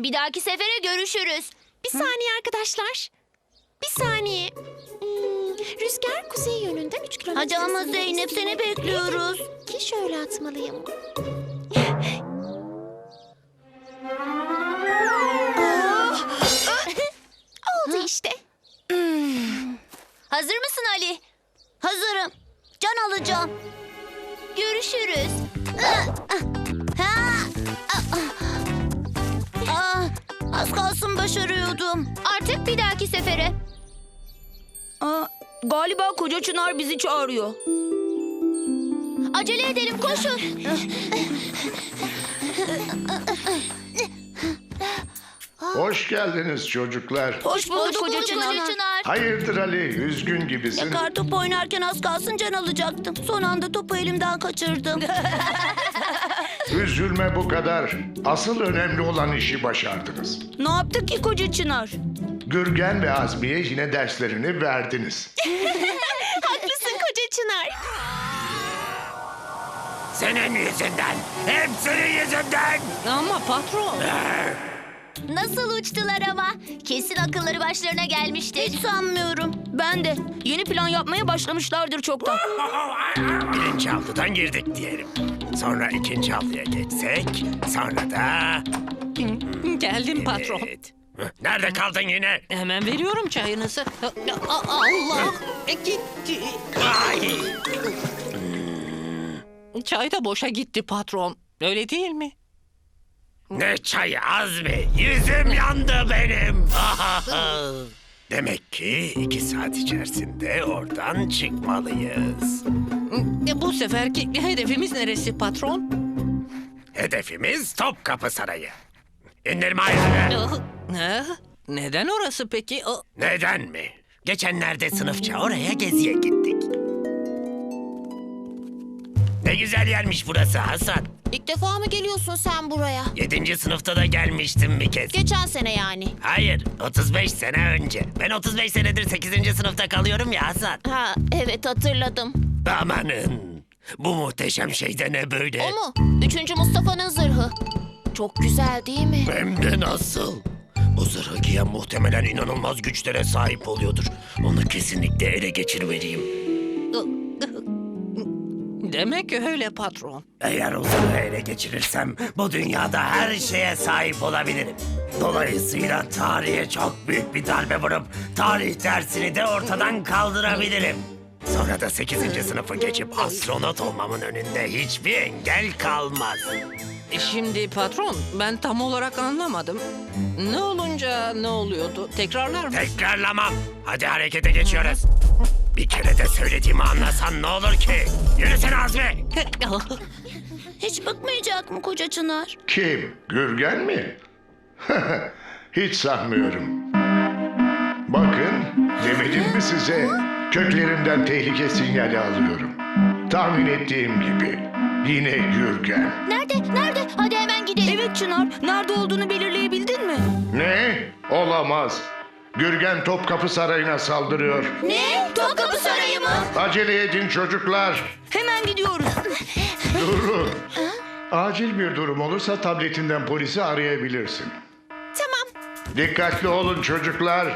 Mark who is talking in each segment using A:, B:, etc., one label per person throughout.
A: Bir dahaki sefere görüşürüz.
B: Bir saniye arkadaşlar. Bir saniye. Rüzgar kuzey yönünden 3 kilometre.
A: Hadi ama
B: hızla
A: Zeynep,
B: esiyor.
A: seni bekliyoruz.
B: Ki şöyle atmalıyım. Oldu işte.
A: Hazır mısın Ali? Hazırım. Can alacağım. Görüşürüz. Az kalsın başarıyordum. Artık bir dahaki sefere.
C: Galiba koca Çınar bizi çağırıyor.
A: Acele edelim, koşun.
D: Hoş geldiniz çocuklar.
C: Hoş bulduk koca Çınar.
D: Hayırdır Ali, üzgün gibisin.
A: Kartopu oynarken az kalsın can alacaktım. Son anda topu elimden kaçırdım.
D: Üzülme bu kadar. Asıl önemli olan işi başardınız.
C: Ne yaptık ki koca Çınar?
D: Gürgen ve Azmi'ye yine derslerini verdiniz.
B: Haklısın koca Çınar.
E: Senin yüzünden. Hep senin yüzünden.
C: Ama patron.
A: Nasıl uçtular ama? Kesin akılları başlarına gelmiştir. Hiç sanmıyorum.
C: Ben de. Yeni plan yapmaya başlamışlardır çoktan.
E: Birinci avludan girdik diyelim. Sonra ikinci avluya geçsek. Sonra da...
F: Geldim patron.
E: Evet. Nerede kaldın yine?
F: Hemen veriyorum çayınızı. Allah! Gitti.
E: Ay!
F: Çay da boşa gitti patron. Öyle değil mi?
E: Ne çayı Azmi? Yüzüm yandı benim. Demek ki 2 saat içerisinde oradan çıkmalıyız.
F: Bu seferki hedefimiz neresi patron?
E: Hedefimiz Topkapı Sarayı. İndirme ayarını.
F: Neden orası peki?
E: Neden mi? Geçenlerde sınıfça oraya geziye gittik. Ne güzel yermiş burası Hasan.
B: İlk defa mı geliyorsun sen buraya?
E: 7. sınıfta da gelmiştim bir kez.
B: Geçen sene yani.
E: Hayır, 35 sene önce. Ben 35 senedir 8. sınıfta kalıyorum ya Hasan.
B: Ha evet hatırladım.
E: Amanın, bu muhteşem şey de ne böyle?
B: O mu? 3. Mustafa'nın zırhı. Çok güzel değil mi?
E: Hem de nasıl? Bu zırhı giyen muhtemelen inanılmaz güçlere sahip oluyordur. Onu kesinlikle ele geçirmeliyim.
F: Demek öyle patron.
E: Eğer o zırhı ele geçirirsem bu dünyada her şeye sahip olabilirim. Dolayısıyla tarihe çok büyük bir darbe vurup tarih dersini de ortadan kaldırabilirim. Sonra da 8. sınıfı geçip astronot olmamın önünde hiçbir engel kalmaz.
F: Şimdi patron, ben tam olarak anlamadım. Ne olunca ne oluyordu? Tekrarlar mı?
E: Tekrarlamam. Hadi harekete geçiyoruz. Bir kere de söylediğimi anlasan ne olur ki? Yürüsene Azmi.
A: Hiç bıkmayacak mı koca Çınar?
D: Kim? Gürgen mi? Hiç sanmıyorum. Bakın, demedim mi size? Köklerinden tehlike sinyali alıyorum. Tahmin ettiğim gibi. Yine Gürgen.
A: Nerede? Nerede? Hadi hemen gidelim.
C: Evet Çınar. Nerede olduğunu belirleyebildin mi?
D: Ne? Olamaz. Gürgen Topkapı Sarayı'na saldırıyor.
A: Ne? Topkapı Sarayı mı?
D: Acele edin çocuklar.
C: Hemen gidiyoruz.
D: Durun. Acil bir durum olursa tabletinden polisi arayabilirsin.
B: Tamam.
D: Dikkatli olun çocuklar.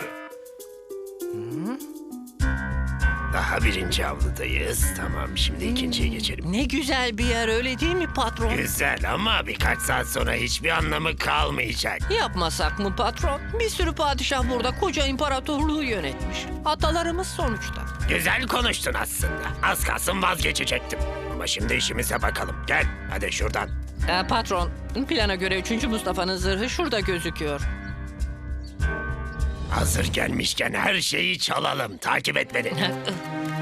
E: Daha 1. avludayız. Tamam, şimdi 2.'ye geçelim.
F: Ne güzel bir yer öyle değil mi patron?
E: Güzel ama birkaç saat sonra hiçbir anlamı kalmayacak.
F: Yapmasak mı patron? Bir sürü padişah burada koca imparatorluğu yönetmiş. Atalarımız sonuçta.
E: Güzel konuştun aslında. Az kalsın vazgeçecektim. Ama şimdi işimize bakalım. Gel, hadi şuradan.
F: Patron, plana göre 3. Mustafa'nın zırhı şurada gözüküyor.
E: Hazır gelmişken her şeyi çalalım. Takip et beni.